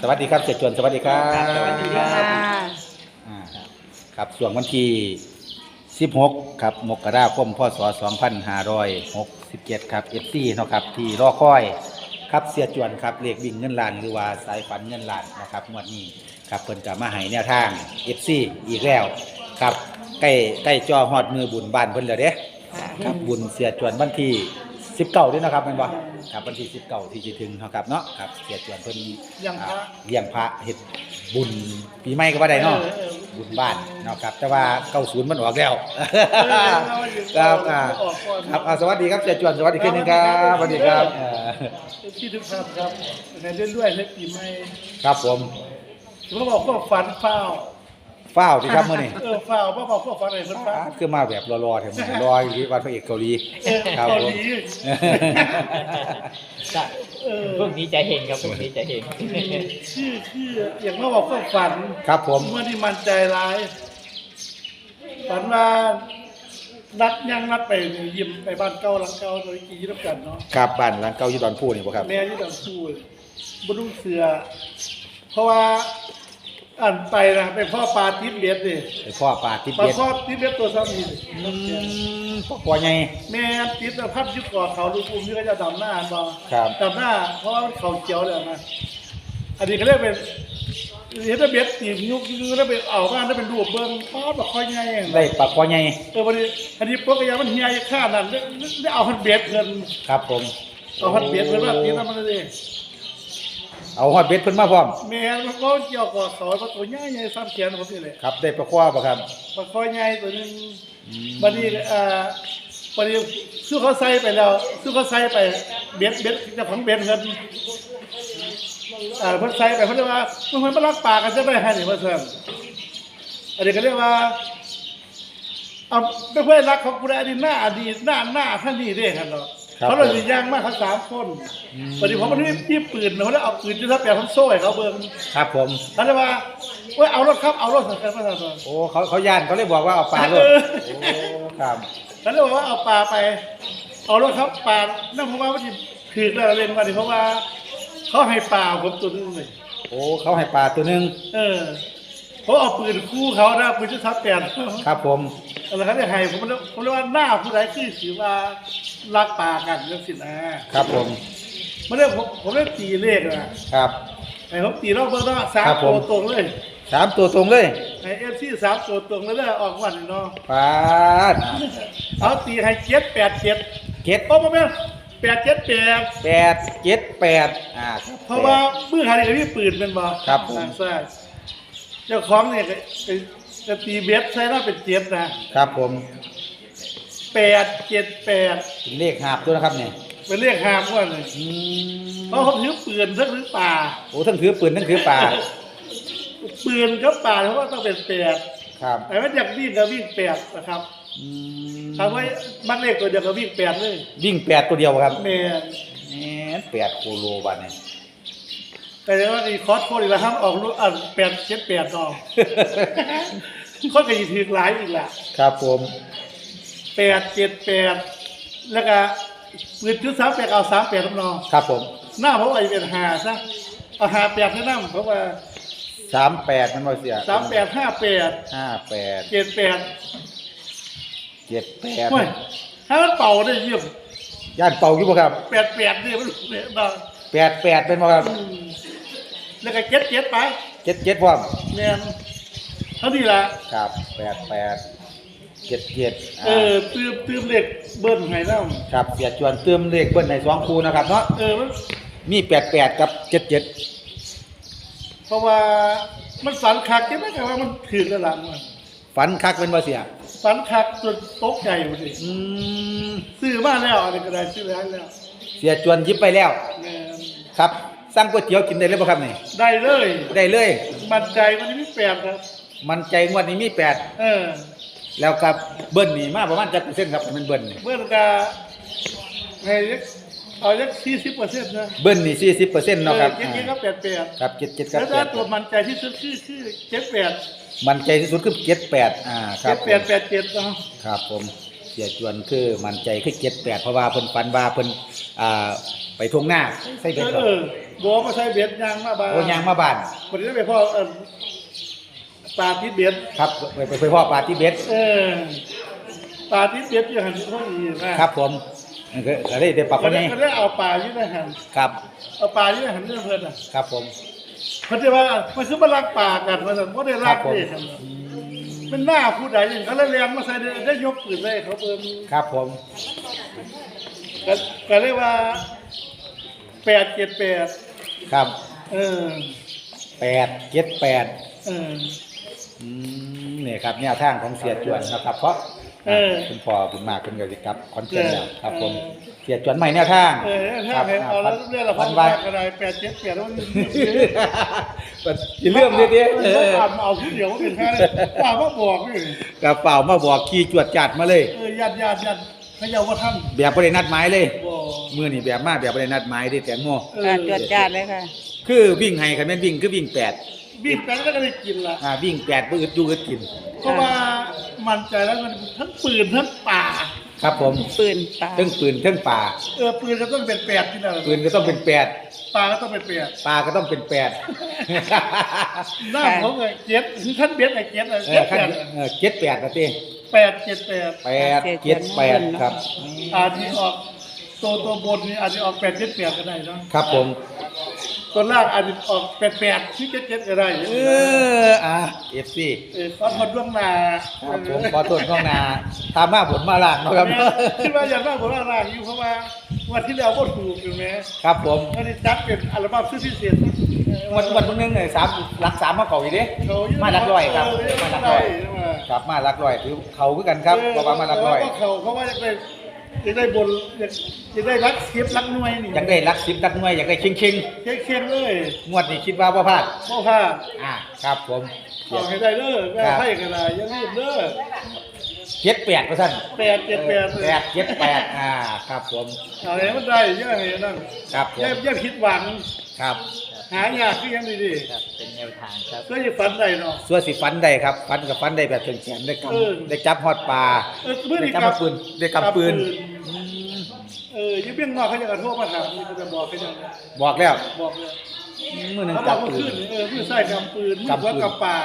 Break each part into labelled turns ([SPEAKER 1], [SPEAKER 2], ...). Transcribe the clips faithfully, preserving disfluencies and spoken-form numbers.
[SPEAKER 1] วัสดีครับเสียจวนสวัสดีครับ
[SPEAKER 2] สวัสดีครับ
[SPEAKER 1] อ่าครับส่วนวันที่สิบหกครับมกราคมพศสองพันห้าร้อยหกสิบเจ็ดครับ เอฟ ซี เนาะครับที่รอคอยครับเสียจวนครับเลขวิ่งเงินล้านหรือว่าสายฝันเงินล้านนะครับงวดนี้ครับเพิ่นก็มาให้แนวทาง เอฟ ซี อีกแล้วครับใกล้ใกล้จอฮอดมือบุญบ้านเพิ่นแล้วเด้ครับบุญเสียจวนวันที่สิบเก้าด้วยนะครับแม่นบ่ครับวันที่สิบเก้าที่จะถึงเนาะครับเนาะครับเสียจวนเพิ่น
[SPEAKER 2] เลี้ยงพระ
[SPEAKER 1] เลี้ยงพระเฮ็ดบุญปีใหม่ก็ว่าได้เนาะบุญบ้านเนาะครับแต่ว่าเก้าสิบมันออกแล้วครับอ่าครับอ่าสวัสดีครับเสียจวนสวัสดีขึ้นนึงครับสวัสดีครับเอ่อ
[SPEAKER 2] ที่ทุกท่านครับในเรื่อยๆในปีใหม่
[SPEAKER 1] ครับผม
[SPEAKER 2] เขาบอกว่าฝันเฝ้า
[SPEAKER 1] ฟ้าวที่ครับมื้อนี้
[SPEAKER 2] เออเฝ้าเพราะบอกว่าฝันอะไรฝันเฝ้า
[SPEAKER 1] คือมาแบบรอๆแถวนี้รออยู่ที่วัดพระเอกเกาหลี
[SPEAKER 2] เออ
[SPEAKER 1] ครับ
[SPEAKER 2] เกา
[SPEAKER 1] ผ
[SPEAKER 2] ห
[SPEAKER 1] ม
[SPEAKER 2] ลี เออ
[SPEAKER 3] พวกนี้จะเห็นครับพวกนี้จะเห็น
[SPEAKER 2] ชื่อชื่ออย่างว่าบอกว่าฝัน
[SPEAKER 1] ครับผม
[SPEAKER 2] เมื่อที่มันใจร้ายฝันว่านัดยังนัดไปยิมไปบ้านเก่าหลังเก่าโดยกี่รับกันเนาะ
[SPEAKER 1] ครับบ้านหลังเก่าอยู่ดอนพูนี่บ่ครับ
[SPEAKER 2] แม่ที่ดังพูดบุรุษเสือ เพราะว่าอ่านไปนะเป็นพ่อปลาทิพย์เบ็ดดิ
[SPEAKER 1] ไอ้พ่อปลาทิพย์
[SPEAKER 2] ปลา
[SPEAKER 1] เบ็ด
[SPEAKER 2] ครอบทิพย์เบ็ดตัวซ้ำนี่
[SPEAKER 1] อืมพ่อพ่อใหญ่
[SPEAKER 2] แม่ทิพย์พัดยุบก่อเขาลูกอุ้มนี่ก็จะดำหน้าบ่
[SPEAKER 1] ครับ
[SPEAKER 2] ดำหน้า เพราะว่าเขาเจียวเลยนะอันนี้เขาเรียกเป็นเห็นแต่เบ็ดตีนยุกยุกแล้วไปเอาบ้านแล้วเป็นรูปเบิ้งป้าแบบค่อยง่ายเอง
[SPEAKER 1] ได้ปลาพ่อใหญ่
[SPEAKER 2] เออวันนี้อันนี้พวกกระยามันเฮียค่านั่นได้เอาหันเบ็ดเงิน
[SPEAKER 1] ครับผม
[SPEAKER 2] เอาหันเบ็ดเงินว่าตีนั่นมันเลย
[SPEAKER 1] เอาฮอดเบ็ดเพิ่นมาพร้อม
[SPEAKER 2] แม่มันก็เกี่ยวกับเขาว่าตัวใหญ่ใหญ่ซ้ำแขนผมนี่เลย
[SPEAKER 1] ครับได้ปลาคว้าบ่ครับ
[SPEAKER 2] มันค่อยใหญ่ตัวนึงบัดนี้เอ่อบัดนี้สู้เขาใส่ไปแล้วสู้เขาใส่ไปเบ็ดเบ็ดเจ้าของเบ็ดเงินอ่าเพิ่นใส่ไปเพิ่นเรียกว่าเพิ่นมาลักปลากันจะได้ให้นี่ว่าซั่นอันนี้ก็เรียกว่าเอาเพื่อนรักของกูได้อดีตหน้าอดีตหน้าหน้าท่านนี่เด้ครับเนาะเขาเลยสิย่างมากเขาสามคนบัดนี้ผมมันมีมีปืนเขาได้เอาปืนที่ทับแปะผมโซ่ให้เขาเบิ่ง
[SPEAKER 1] ครับผม
[SPEAKER 2] เขาเลยว่าเว้ยเอารถครับเอารถสักการมาสั่น
[SPEAKER 1] โอ้เขาเขาย่านเขาเลยบอกว่าเอาปลาลง
[SPEAKER 2] เออ
[SPEAKER 1] โอ้ครับ
[SPEAKER 2] เขาเลยบอกว่าเอาปลาไป เอารถครับปลานั่นเพราะว่ามันถือแล้วเล่นมาดิเพราะว่าเขาให้ปลาผมตัวนึงเลย
[SPEAKER 1] โอ้เขาให้ปลาตัวหนึง
[SPEAKER 2] เออเขาเอาปืนคู่เขานะปืนที่ทับแปด
[SPEAKER 1] ครับผม
[SPEAKER 2] อะไรเขาได้ให้ผมเลยผมเลยว่าหน้าผู้ใดคือถือว่ารักปลากันเรื่องสินะครับ
[SPEAKER 1] ผม
[SPEAKER 2] ไม่ได้ผมผมได้ตีเลขนะครับ ไอ้ผมตีรอบเบอร์ต้องสาม
[SPEAKER 1] ครับผ
[SPEAKER 2] ตั
[SPEAKER 1] ม
[SPEAKER 2] วตรงเลย
[SPEAKER 1] สามตัวตรงเลย
[SPEAKER 2] ไอ้เอฟซีสามตัวตรงแล้วได้ออกวันเนาะ
[SPEAKER 1] ปลาด
[SPEAKER 2] เอาตีให้เจ็ดแปดเจ็ด
[SPEAKER 1] เจ็ด
[SPEAKER 2] โอ้ไม่แปดเจ็ดแปด
[SPEAKER 1] แปดเจ็ดแปดอ่าคบ
[SPEAKER 2] เพราะว่ามือหานี่ก็มีปืนเป็นบ่
[SPEAKER 1] ครับผม
[SPEAKER 2] ทางซ้ายเจ้าของเนี่ยก็ก็ก็ตีเบ็ดใช้แล้วเป็นเจ็ดนะครับ
[SPEAKER 1] ผม
[SPEAKER 2] แปดเจ็ดแปด
[SPEAKER 1] เป็นเลขหาบตัวนะครับเนี่ย
[SPEAKER 2] เป็นเรียกหามว่าเลย
[SPEAKER 1] อืม
[SPEAKER 2] เพราะเขาถือปืนทั้งถือป่า
[SPEAKER 1] โอ้ทั้งถือปืนทั้งถือปลา
[SPEAKER 2] ปืนกับป่าเพราะว่าต้องเป็นแปด
[SPEAKER 1] ครับ
[SPEAKER 2] แต่ว่าอยากวิ่งก็วิ่งแปดนะครับ
[SPEAKER 1] อืม
[SPEAKER 2] ทำไว้มักเลขตัวเดียวก็วิ่งแปดเลย
[SPEAKER 1] วิ่งแปดตัวเดียวครับ
[SPEAKER 2] แม่น
[SPEAKER 1] แหมแปดโคโลบัตเนี่ย
[SPEAKER 2] แต่ว่าอีคอร์สโคตรอีกแล้วครับออกรุ่นอ่ะแปดเจ็ดแปดต่อข้อก็ยีถือหลายอีกแหละ
[SPEAKER 1] ครับผม
[SPEAKER 2] แปดเจ็ดแปดแล้วก็ปืนจุดสามแปดเอาสามแปดน้อง
[SPEAKER 1] ครับผม
[SPEAKER 2] หน้าเพราะว่าเป็นหาซะเอาหาแปดให้นั่งเพราะว่า
[SPEAKER 1] สามแปดมันบ่เสีย
[SPEAKER 2] สามแปดห้าแปด
[SPEAKER 1] ห้าแปด
[SPEAKER 2] เจ็ดแปด
[SPEAKER 1] เจ็ดแปด
[SPEAKER 2] โอ้ยถ้ามันเป่าได้เยี่ยม
[SPEAKER 1] ย่านเป่าอยู่บ่ครับ
[SPEAKER 2] แปดแปดนี่มันเนี่ยนะ
[SPEAKER 1] แปดแปดเป็นบ่ครับ
[SPEAKER 2] อืมแล้วก็เจ็ดเจ็ดไป
[SPEAKER 1] เจ็ดเจ็ดพร้อม
[SPEAKER 2] เนี่ยเท่านี้ละ
[SPEAKER 1] ครับแปดแปดเจ็ดเจ็ด
[SPEAKER 2] เออตืมตืมเหล็กเบิ้ลไงเล่า
[SPEAKER 1] ครับเสียจวนเติมเลขเบิ้ลในสองคูนะครับเนาะ
[SPEAKER 2] เออมัน
[SPEAKER 1] มีแปดแปดกับเจ็ดเจ็ด
[SPEAKER 2] เพราะว่ามันฝันคักใช่ไหมแต่ว่ามันถือแล้วหลังมัน
[SPEAKER 1] ฝันคักเป็นบ่เสีย
[SPEAKER 2] ฝันคักจนตกใจหมดเลย
[SPEAKER 1] อืม
[SPEAKER 2] ซื้อมาแล้วอะไรก็ได้ซื้อแล้วแล้ว
[SPEAKER 1] เสียจวนหยิบไปแล้ว
[SPEAKER 2] แม่น
[SPEAKER 1] ครับสั่งก๋วยเตี๋ยวกินได้เลยบ่ครับนี่
[SPEAKER 2] ได้เลย
[SPEAKER 1] ได้เลย
[SPEAKER 2] มันใจมันไม่แปลกครับ
[SPEAKER 1] มันใจงวดนี้มีแปด
[SPEAKER 2] เออ
[SPEAKER 1] แล้วครับเบิ้ลนี่มาประมาณจักเปอร์เซ็นต์ครับมันเบิ้ลนี่
[SPEAKER 2] เมื่อกาให้ยักเอายักสี่สิบเปอร์เซ็นต์นะ
[SPEAKER 1] เบิ้ลนี่สี่สิบเปอร์เซ็นต์เนาะครับ
[SPEAKER 2] เจ็ดเจ็ดก็แปดแปด
[SPEAKER 1] ครับเจ็ดเจ็ดครั
[SPEAKER 2] แล้
[SPEAKER 1] บ
[SPEAKER 2] ว
[SPEAKER 1] แป
[SPEAKER 2] ถ้า
[SPEAKER 1] ด
[SPEAKER 2] ตัวมันใจที่สุดคือคือเจ็ดแปด
[SPEAKER 1] มันใจที่สุดคือเจ็ดแปดอ่าครั
[SPEAKER 2] เจ็
[SPEAKER 1] บ
[SPEAKER 2] ด
[SPEAKER 1] ผ
[SPEAKER 2] แปด
[SPEAKER 1] ม
[SPEAKER 2] แปดเจ็ดเนาะ
[SPEAKER 1] ครับผมเสียจวนคือมันใจคือเจ็ดแปดเพราะว่าเพิ่นฝันว่าเพิ่นอ่าไปทวงหน้าใส่
[SPEAKER 2] เอ
[SPEAKER 1] เบ็ด
[SPEAKER 2] อ
[SPEAKER 1] เหรอ
[SPEAKER 2] เออบัวมาใส่เบ็ดยางมาบ้าน
[SPEAKER 1] โอ้ยางมาบ้าน
[SPEAKER 2] วันนี้ไปพ่อเอิ่มปลาทิศเบ็ด
[SPEAKER 1] ครับไปไปไปพ่อปลาที่เบ็ด
[SPEAKER 2] เออปลาทิศเบ็ดอยู่หันที่ห้องนี้นะครับ
[SPEAKER 1] ผมก็ก็ได้ได้ปลาค
[SPEAKER 2] ก็
[SPEAKER 1] น
[SPEAKER 2] ได้
[SPEAKER 1] นี้
[SPEAKER 2] ก็ได้เอาปลาอยู่ในหัน
[SPEAKER 1] ครับ
[SPEAKER 2] เอาปลาอยู่ในหันเรื่องเพิ่นอ่ะ
[SPEAKER 1] ครับผม
[SPEAKER 2] เขาจะว่ามันคือมาลักปลากันมาสั่นบ่ได้ลัก
[SPEAKER 1] ครับผม
[SPEAKER 2] เด้ครับมันหน้าผู้ใดอย่างเขาเลยเรียงมาใส่ได้ได้ยกปืนเลยเขาเพิ่น
[SPEAKER 1] ครับผม
[SPEAKER 2] ก็ก็เรียกว่าแปดเจ็ดแปด
[SPEAKER 1] ครับ
[SPEAKER 2] เออ
[SPEAKER 1] แปดเจ็ดแปด
[SPEAKER 2] เออ
[SPEAKER 1] อืมนี่ครับแนวทางของเสียจวนนะครับ เพราะ
[SPEAKER 2] เออ
[SPEAKER 1] คุณพ่อคุณมากคุณก็สิครับคอนเทนต์แล้วครับผม
[SPEAKER 2] เออ
[SPEAKER 1] เสียจวนใหม่แนวทาง
[SPEAKER 2] เออถ้าเห็นเอาแล้วเรื่องละพั
[SPEAKER 1] พั
[SPEAKER 2] น
[SPEAKER 1] น
[SPEAKER 2] บา
[SPEAKER 1] บา
[SPEAKER 2] ท
[SPEAKER 1] ท
[SPEAKER 2] ก็ได้แปดเจ็ดแปดแล้วมัน
[SPEAKER 1] อย่าเลื่อมดิดิ
[SPEAKER 2] เอ
[SPEAKER 1] เอ
[SPEAKER 2] อ
[SPEAKER 1] อ
[SPEAKER 2] ทำเอาทีเดียวก็เป็นแค่เลยป้ามาบอกนี่
[SPEAKER 1] กระเป๋ามาบอกขี่จวดจัดมาเลย
[SPEAKER 2] เออญาติญาติญาติพะเยาว่าท่าน
[SPEAKER 1] แบบบ่ได้นัดหมายเลย
[SPEAKER 2] บ่
[SPEAKER 1] มือนี่แบบมาแบบบ่ได้นัดหมายเด้แตงโม
[SPEAKER 2] เออ
[SPEAKER 4] ค่ะตรวจจัดเลยค่ะ
[SPEAKER 1] คือวิ่งให้คันแม่นวิ่งคือวิ่งแปด
[SPEAKER 2] บีบแปดแล้วก็ได้กินละ
[SPEAKER 1] อ่าวิ่งแปดบ่อึดอยู่อึดกิน
[SPEAKER 2] เพราะว่ามันใจแล้วมันทั้งปืนทั้งป่า
[SPEAKER 1] ครับผม
[SPEAKER 4] ปืนปลา
[SPEAKER 1] ทั้งปืนทั้งป่า
[SPEAKER 2] เออปืนก็ต้องเป็นแปดที่นั่น
[SPEAKER 1] ปืนก็ต้องเป็นแปด
[SPEAKER 2] ปลาก็ต้องเป็นแปด
[SPEAKER 1] ปลาก็ต้องเป็นแปด
[SPEAKER 2] หน้าของไอ้เจ็ดคือขั้นเบ็ดไอ้เจ็ดไอ้
[SPEAKER 1] เอ
[SPEAKER 2] เจ็
[SPEAKER 1] อ
[SPEAKER 2] ด
[SPEAKER 1] ขั้
[SPEAKER 2] แป
[SPEAKER 1] น
[SPEAKER 2] ด
[SPEAKER 1] เออเจ็ดแปดนะติ
[SPEAKER 2] แปดเจ็ดแปด
[SPEAKER 1] แปดเจ็ดแปดครับ
[SPEAKER 2] อาจจะออกตัวตัวบนนี่อาจจะออกแปดเจ็ดแปดก็ได้เนาะ
[SPEAKER 1] ครับผม
[SPEAKER 2] ตัวล่างอาจจะออกแปดแปดที่เจ็ดเจ็ดก็ได้
[SPEAKER 1] เอออ่ะ เอฟ ซี
[SPEAKER 2] เออขอทนล่วงหน้า
[SPEAKER 1] ครับผมขอโทษน้องนาตามมาผลมาล่างเนาะครับ
[SPEAKER 2] คิดว่าอย่างนั้นผมว่าล่างอยู่เพราะว่าวันที่แล้วก็ถูกอยู่ไหม
[SPEAKER 1] ครับผม
[SPEAKER 2] วันนี้จัดเป็นอัลบั้มชุดพิเศษ
[SPEAKER 1] วันวันพวกนึงเนี่ยสามหลักสามมาเก่าอีกเด้
[SPEAKER 2] เขาอยู่
[SPEAKER 1] มาหลักร้อยครับ
[SPEAKER 2] เ
[SPEAKER 1] มาหลักร้อย
[SPEAKER 2] มา
[SPEAKER 1] ครับมาหลักร้อยถือเขาคือกันครับเพราะว่ามาหลักร้อย
[SPEAKER 2] เเขาเขาว่าอยากได้อยากได้บนอยากอยากได้รักเสียบรักหน่วยนี่
[SPEAKER 1] อยากได้หลักสิบหลักหน่วยอยากได้ชิงชิง
[SPEAKER 2] เคียงเคียงๆเลย
[SPEAKER 1] ๆงวดนี้คิดว่าบ่พลาด
[SPEAKER 2] พ่อค่ะ
[SPEAKER 1] อ่าครับผม
[SPEAKER 2] เอาให้ได้เด้อแม่ให้ก็ได้อยังรีบเด้อ
[SPEAKER 1] เจ็ดแปดเปอร์เซ็นต์
[SPEAKER 2] แปดเจ็ดแปดเลย
[SPEAKER 1] แปดเจ็ดแปดอ่าครับผม
[SPEAKER 2] เอาให้มันได้เยอะให้นั่น
[SPEAKER 1] ครับผม
[SPEAKER 2] อย่าอย่าผิดหวัง
[SPEAKER 1] ครับ
[SPEAKER 2] หายากคือยังดี
[SPEAKER 3] ครับเป็นแนวทางครับ
[SPEAKER 2] ๆก็จะฝันได้เนาะ
[SPEAKER 1] ส่วนสิฟันได้ครับฟันกับฟันได้แบบเฉียงๆได้ก
[SPEAKER 2] เออ
[SPEAKER 1] ำได้จับฮอดปลา
[SPEAKER 2] เออเมื่อ
[SPEAKER 1] ได้
[SPEAKER 2] นี้
[SPEAKER 1] จับมาปืนได้กำปืน
[SPEAKER 2] เอออยังเบี้ยงนอกเขาจะกระโทษมาถามนี่เขาจะบอกเขาจะ
[SPEAKER 1] บอกแล้ว
[SPEAKER 2] บอกเลย
[SPEAKER 1] มือหนึ่ง
[SPEAKER 2] เขาบ
[SPEAKER 1] จั
[SPEAKER 2] อบ กว่า
[SPEAKER 1] ปื
[SPEAKER 2] ขึ้
[SPEAKER 1] น
[SPEAKER 2] นเออมือใส่กำปืนมือก
[SPEAKER 1] ำปื
[SPEAKER 2] ว่าน กำป่า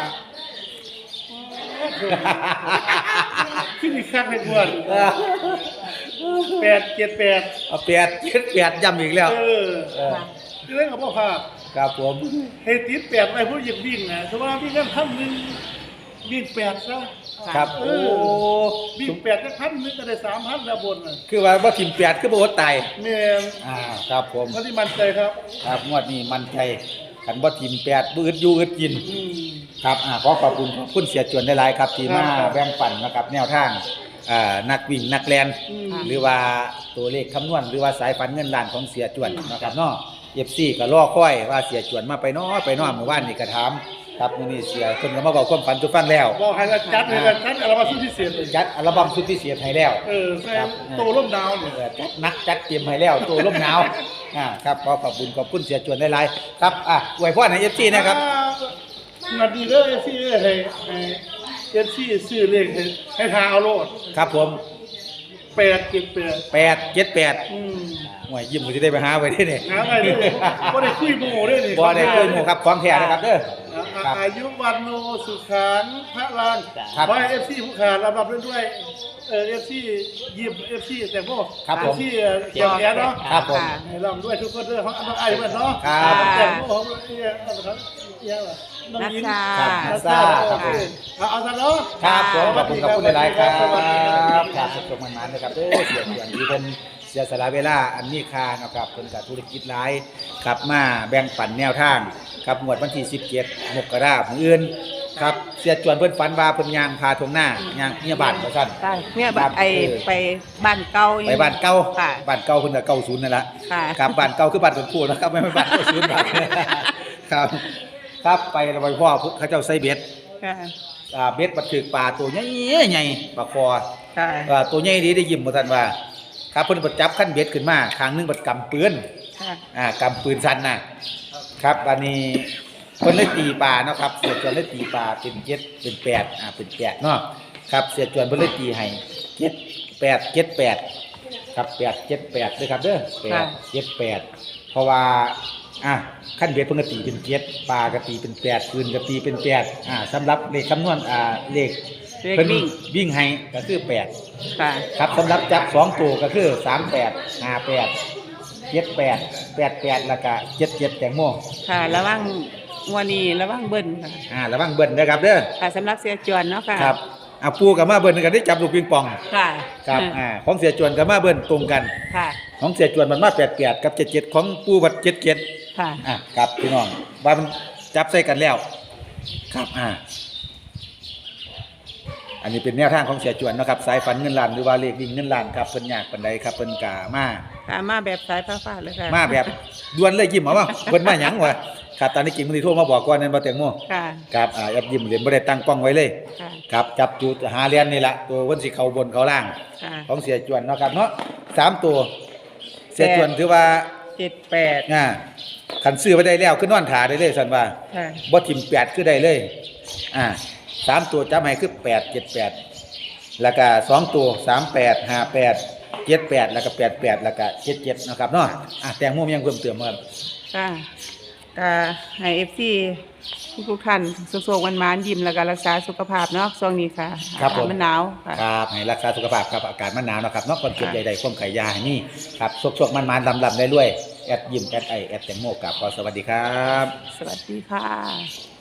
[SPEAKER 2] ขึ้นอีกครั้งให้ทวนแปดเจ็ดแปด
[SPEAKER 1] เอาแปดเจ็ดแปดย้ำอีกแล้ว
[SPEAKER 2] เออ
[SPEAKER 1] เออ
[SPEAKER 2] เรื่องของพ่อพา
[SPEAKER 1] ครับผม
[SPEAKER 2] ให้ติดแปดไปผู้หญิงวิ่งนะสมมติว่าวิ่งกันพันหนึ่งวิ่งแปดซะ
[SPEAKER 1] ครับ
[SPEAKER 2] เอ
[SPEAKER 1] โอ้
[SPEAKER 2] อวิ่งแปดก็พันหนึ่งก็ได้สามพันแล้วบนน่ะ
[SPEAKER 1] คือว่าบ่ทิมแปดคือบ่อดตาย
[SPEAKER 2] แม่น
[SPEAKER 1] อ่าครับผม
[SPEAKER 2] เขาที่มั่นใจครับ
[SPEAKER 1] ครับงวดนี้มันใจคันบ่ทิมแปดบ่อึดอยู่อึดกิน
[SPEAKER 2] อืม
[SPEAKER 1] ครับอ่าขอขอบคุณขอบคุณเสียจวนได้หลายครับที่มา
[SPEAKER 2] ครับ
[SPEAKER 1] แบ่งปันนะครับแนวทางอ่านักวิ่งนักแลน
[SPEAKER 2] อืม
[SPEAKER 1] หรือว่าตัวเลขคำนวณหรือว่าสายฝันเงินล้านของเสียจวนนะครับเนาะ เอฟ ซี ก็รอคอยว่าเสียจวนมาไปเนาะไปเนาะเมื่อวานนี่ก็ถามครับมื้อนี้เสียเพิ่นก็มาบอกความฝันทุกฟังแล้ว
[SPEAKER 2] บอกให้เราจัดให้เราจัดอะไรมาสุดพิเศษเลย
[SPEAKER 1] จัดอัลบั้มสุดพิเศษให้แล้ว
[SPEAKER 2] เออใส่โตร่มดาวเนี่ย
[SPEAKER 1] เออจัดหนักจัดเตรียมให้แล้วตัวลมหนาวอ่าครับขอขอบคุณขอบคุณเสียจวนได้หลายครับอ่ะอวยพรให้ เอฟ ซี นะครับ
[SPEAKER 2] นาดีเลยเอฟซีให้ให้เอฟซีซื้อเลขให้ให้ทางเอาโลด
[SPEAKER 1] ครับผม
[SPEAKER 2] แปดเจ็ดแปด
[SPEAKER 1] แปดเจ็ดแปด
[SPEAKER 2] อืม
[SPEAKER 1] หวยยิ้มก็จะได้ไปหาไว้ได้เนี่ย
[SPEAKER 2] หาอะไรด้วยบ่ได้คุยโม่ด้วยนี่
[SPEAKER 1] บ่ได้คุยหมู่ครับของแท้นะครับเด้อ
[SPEAKER 2] อ่า
[SPEAKER 1] ครับ
[SPEAKER 2] อายุวันโนสุขังพระลาน
[SPEAKER 1] ครับ
[SPEAKER 2] ไว้เอฟซีผู้ขาดรับรับด้วยเออเอฟซียิบเอฟซีแต่พวก
[SPEAKER 1] ครับผม
[SPEAKER 2] เอฟซีเกี่ยวแก่เนาะ
[SPEAKER 1] ครับผม
[SPEAKER 2] ให้รับด้วยทุกคนเด้อของน้องไอ้เพิ่นเนาะ
[SPEAKER 1] ครับ
[SPEAKER 2] แต่พวกของเอียเอาละครับเอียล่ะน้อง
[SPEAKER 4] นัช
[SPEAKER 2] ยิ้ม
[SPEAKER 4] ชา
[SPEAKER 1] ครับ
[SPEAKER 2] นัชชา
[SPEAKER 1] ครับผม
[SPEAKER 2] เอาเอาซะเนาะ
[SPEAKER 1] ครับผมขอบคุณขอบคุณหลายๆครับ
[SPEAKER 2] สวัสดีครับ
[SPEAKER 1] ครับสุขมันมันนะครับเด้อเสียเสียงที่เพิ่นเสียสละเวลาอันมีค่านะครับเพิ่นกับธุรกิจหลายครับมาแบ่งปันแนวทางครับงวดวันที่สิบเจ็ดมกราคมมื้ออื่นครับเสียจวนเพิ่นฝันว่าเพิ่นย่างพาทงหน้าย่างเมียบ้านว่าซั่น
[SPEAKER 4] ใช่เนี่ย
[SPEAKER 1] ครับ
[SPEAKER 4] ไอ
[SPEAKER 1] เออ
[SPEAKER 4] ไปบ้านเก่า
[SPEAKER 1] ไปบ้านเก่า
[SPEAKER 4] ค่ะ
[SPEAKER 1] บ้านเก่าเพิ่นก็เก่าศูนย์นั่นล่ะ
[SPEAKER 4] ค่ะ
[SPEAKER 1] ครับบ้านเก่าคือบ้านคนพูดนะครับไม่ใช่บ้านเก่าศูนย์บ้านครับครับไปแล้วไปพ่อเขาเจ้าใส่เบ็ด
[SPEAKER 4] ค่ะ
[SPEAKER 1] อ่าเบ็ดบัดถึกปลาตัวใหญ่ใหญ่ปลาคอ
[SPEAKER 4] ค่ะ
[SPEAKER 1] อ่าตัวใหญ่ดีได้ยิ้มบ่ทันว่า ครับเพิ่นบัดจับขั้นเบ็ดขึ้นมาข้างหนึงบัดกำปืน
[SPEAKER 4] ค่ะ
[SPEAKER 1] อ่ากำปืนสั้นน่ะครับอันนี้เพิ่นเลยตีปลาเนาะครับเสียจวนเลยตีปลาเป็นเจ็ดเป็นแปดอ่าเป็นแปดเนาะครับเสียจวนเพิ่นเลยตีให้เจ็ดแปดเจ็ดแปดครับแปดเจ็ดแปดด้วยครับเด้อแปดเจ็ดแปดเพราะว่าอ่ะขั้นเบ็ดเพิ่นก็ตีเป็นเจ็ดปลาก็ตีเป็นแปดคืนก็ตีเป็นแปดอ่าสำหรับเลขคำนวณอ่าเลข
[SPEAKER 4] เลข
[SPEAKER 1] เพิ่น
[SPEAKER 4] วิ่ง
[SPEAKER 1] วิ่งให้ก็คือแปด
[SPEAKER 4] ค่ะ
[SPEAKER 1] ครับสำหรับจับสองตัวก็คือสามแปดห้าแปดเจ็ดแปดแปดแปดแล้วก็เจ็ดเจ็ดแตงโม
[SPEAKER 4] ค่ะระวังงวดนี้ระวังเบิ้ลค่ะ
[SPEAKER 1] อ่าระวังเบิ้ลนะครับเด้อ
[SPEAKER 4] ค่ะสำหรับเสียจวนเนาะค่ะ
[SPEAKER 1] ครับอ่ะปูกับมาเบิ้ลกันได้จับลูกปิงปอง
[SPEAKER 4] ค่ะ
[SPEAKER 1] ครับอ่าของเสียจวนกับมาเบิ้ลตรงกัน
[SPEAKER 4] ค่ะ
[SPEAKER 1] ของเสียจวนมันมาแปดแปดกับเจ็ดเจ็ดของปูบัดเจ็ดเจ็ด
[SPEAKER 4] ค่ะ
[SPEAKER 1] อ่ะครับพี่น้องว่ามันจับใส่กันแล้ว ครับอ่าอันนี้เป็นแนวทางของเสียจวนนะครับสายฝันเงินล้านหรือว่าเลขวิ่งเงินล้านครับเพิ่นยากปานใดครับเพิ่นกามา
[SPEAKER 4] ค่ะมาแบบสายฟ้าๆเลยค่ะ
[SPEAKER 1] มาแบบด่วนเลยยิ้มเอาว่าเพิ่นมาหยังวะครับตอนนี้กิ่งมันสิโทรมาบอกก่อนนั่นบ่แตงโม
[SPEAKER 4] ค่ะ
[SPEAKER 1] ครับอ่าแอปยิ้มเรียนบ่ได้ตั้งกล้องไว้เลย
[SPEAKER 4] ค่ะ
[SPEAKER 1] ครับจับจุดหาเรียนนี่ล่ะตัวเพิ่นสิเข้าบนเข้าล่าง
[SPEAKER 4] ค่ะ
[SPEAKER 1] ของเสียจวนเนาะครับเนาะสามตัว เสียจวนถือว่า
[SPEAKER 4] เจ็ดแปด
[SPEAKER 1] อ่าคันซื้อไว้ได้แล้วคือนอนท่าได้เลยซั่นว่า
[SPEAKER 4] ค่ะ
[SPEAKER 1] บ่ทิ่มแปดคือได้เลยอ่าสามตัวจับให้คือแปด เจ็ด แปดแล้วก็สองตัวสามแปด ห้าแปด เจ็ดแปดแล้วก็แปดแปดแล้วก็เจ็ดเจ็ดนะครับเนาะอ่ะแตงโมมีหยังเพิ่มเติมบ่ครับ
[SPEAKER 4] ค่ะก็ให้เอฟซีทุกๆท่านสุขๆวันมานๆยิ้มแล้วก็รักษาสุขภาพเนาะช่วงนี้ค่ะ
[SPEAKER 1] ครับผม
[SPEAKER 4] อากาศมันหนาวค่ะ
[SPEAKER 1] ครับให้รักษาสุขภาพครับอากาศมันหนาวนะครับเนาะคนเก็บ
[SPEAKER 4] ค่ะ
[SPEAKER 1] ใดๆความไข่ยาให้นี่ครับสกๆมันๆลำๆได้ด้วยแอดยิ้มแอดไอแอดแตงโมกับขอสวัสดีครับ
[SPEAKER 4] สวัสดีค่ะ